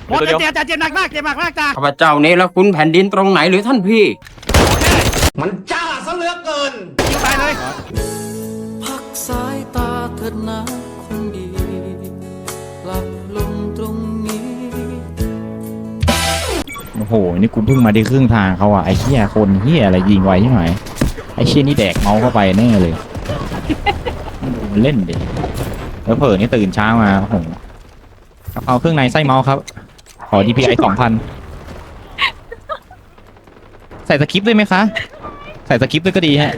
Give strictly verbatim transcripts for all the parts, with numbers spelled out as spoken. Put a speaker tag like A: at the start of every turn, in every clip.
A: หมดเจ็บจ่าเจ็บหนักมากเจ็บมากมากจ่า
B: ข้าพเจ้าเนรคุณแผ่นดินตรงไหนหรือท่านพี่
C: มันจ้าซะเหลือเกิน
A: ยิงตายเลย
D: พักสายตาเถิดนะคนดีหลับลงตรงนี้โอ้โหนี่กูเพิ่งมาได้ครึ่งทางเขาอ่ะไอ้เหี้ยคนเหี้ยอะไรยิงไวใช่ไหมไอ้เชี่ยนี่แดกเมาเข้าไปแน่เลยมันเล่นดิแล้วเผลอนี่ตื่นเช้ามาโอ้โหกะเพราเครื่องในไส้เมาครับขอ ดี พี ไอ สองพันใส่สคริปต์ด้วยไหมคะใส่สคริปต์ด้วยก็ดีฮะ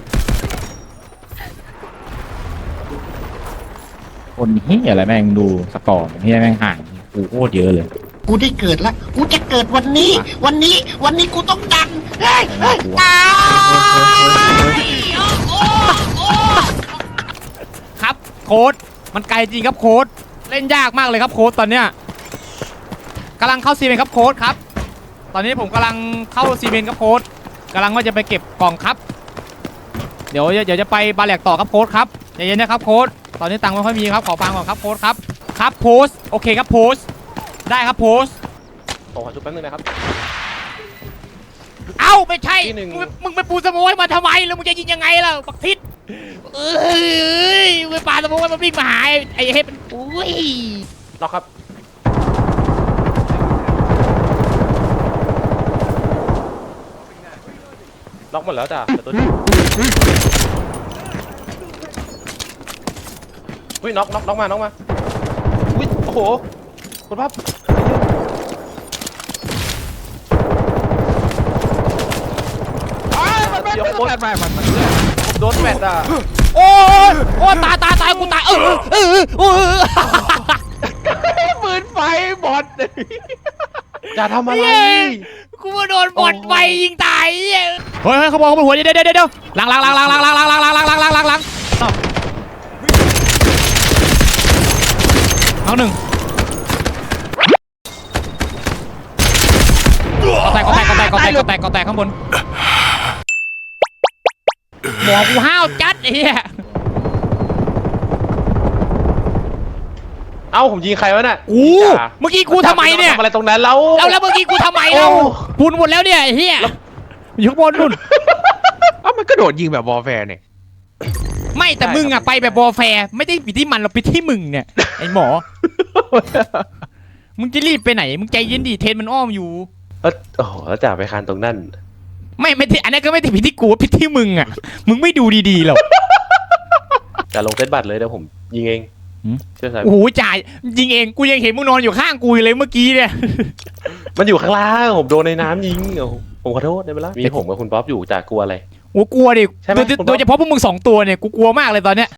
D: คนเฮียอะไรแม่งดูสกอร์เฮียแม่งห่างกูโคตรเยอะเลย
C: กูได้เกิดแล้ว กูจะเกิดวันนี้ วันนี้ วันนี้กูต้องดังเฮ้ยเฮ้ยตาย
E: ครับโค้ดมันไกลจริงครับโค้ดเล่นยากมากเลยครับโค้ดตอนเนี้ยกำลังเข้าซีเมนต์ครับโค้ดครับตอนนี้ผมกำลังเข้าซีเมนต์ครับโค้ดกำลังว่าจะไปเก็บกล่องครับเดี๋ยวเดี๋ยวจะไปบาแหลกต่อครับโค้ดครับใจเย็นนะครับโค้ดตอนนี้ตังค์ไม่ค่อยมีครับขอฟังก่อนครับโค้ดครับครับโพสโอเคครับโพสได้ครับโพส
F: ขอจุดแป๊บนึงนะครับ
E: เอ้าไม่ใช่
F: ที่หนึ่ง
E: มึงมึงไปปูสโมยมาทำไมแล้วมึงจะยิงยังไงล่ะบักทิศเอ้ยมึงไปปาสโมยมันวิ่งมาหาไอ้เฮ็ดมันอุ้ย
F: ล็อกครับล็อกหมดแล้วจ้ะแต่ตัวนี้อุ้ยน็อกน็อกน็อกมาน็อกมาอุ้ยโอ้โหคุณภาพเดี๋ยวโดนแฟดผมโดนแฟดอ่ะ
E: โอ้ยโอ้ยตายตายตายกูตายเออเออเออ
F: ปืนไฟบอดจะทำอะไร
E: กูมาโดนบอดไฟยิงตายเฮ้ยเฮ้ยเขาบอกเขาบนหัวเดี๋ยวเดี๋ยวเดี๋ยวหลังหลังหลังหลังหลังหลังหลังหลังหลังหลังหลังหลังหลังหลังเอาหนึ่งก็แตกก็แตกก็แตกก็แตกก็แตกก็แตกข้างบนหมอกูห้าวจัดไอ้เหี้ย
F: เอ้าผมยิงใครวะน่ะ
E: กูเมื่อกี้กูทำไมเนี่ย
F: ทำอะไรตรงนั้นแล้ว
E: แล้วแล้วเมื่อกี้กูทำไมเราพูนหมดแล้วเนี่ยไอ้เหี้ยอยู่ข้างบนนู่น
G: เอ้ามันก็โดดยิงแบบวอลแฟร์เนี่ย
E: ไม่แต่มึงอะไปแบบบอแฟร์ไม่ได้ปิดที่มันเราปิดที่มึงเนี่ยไอ้หมอ มึงจะรีบไปไหนมึงใจเย็นดิเทนมันอ้อมอยู่
F: เอ้าโอ้โหแล้วจ่าไปคานตรงนั้น
E: ไม่ไม่ที่อันนั้นก็ไม่ได้ผิดที่กูผิดที่มึงอะมึงไม่ดูดีๆหรอก
F: จ่าลงเซตบัตรเลยเดี๋ยวผมยิงเอง
E: หืม
F: เชื่อใจ
E: โอ้โหจ่ายยิงเองกูยังเห็นมึงนอนอยู่ข้างกูอยู่เลยเมื่อกี้เนี่ย
F: มันอยู่ข้างล่างผมโดนในน้ำยิงโอ้โหผมขอโทษได้ไหมล่ะมีผมกับคุณป๊อปอยู่จ่ากลัวอะไร
E: โอ้กลัวดิ
F: ใช่ไหม
E: โดยโดยเฉพาะพวกมึงสองตัวเนี่ยกูกลัวมากเลยตอนเนี้ย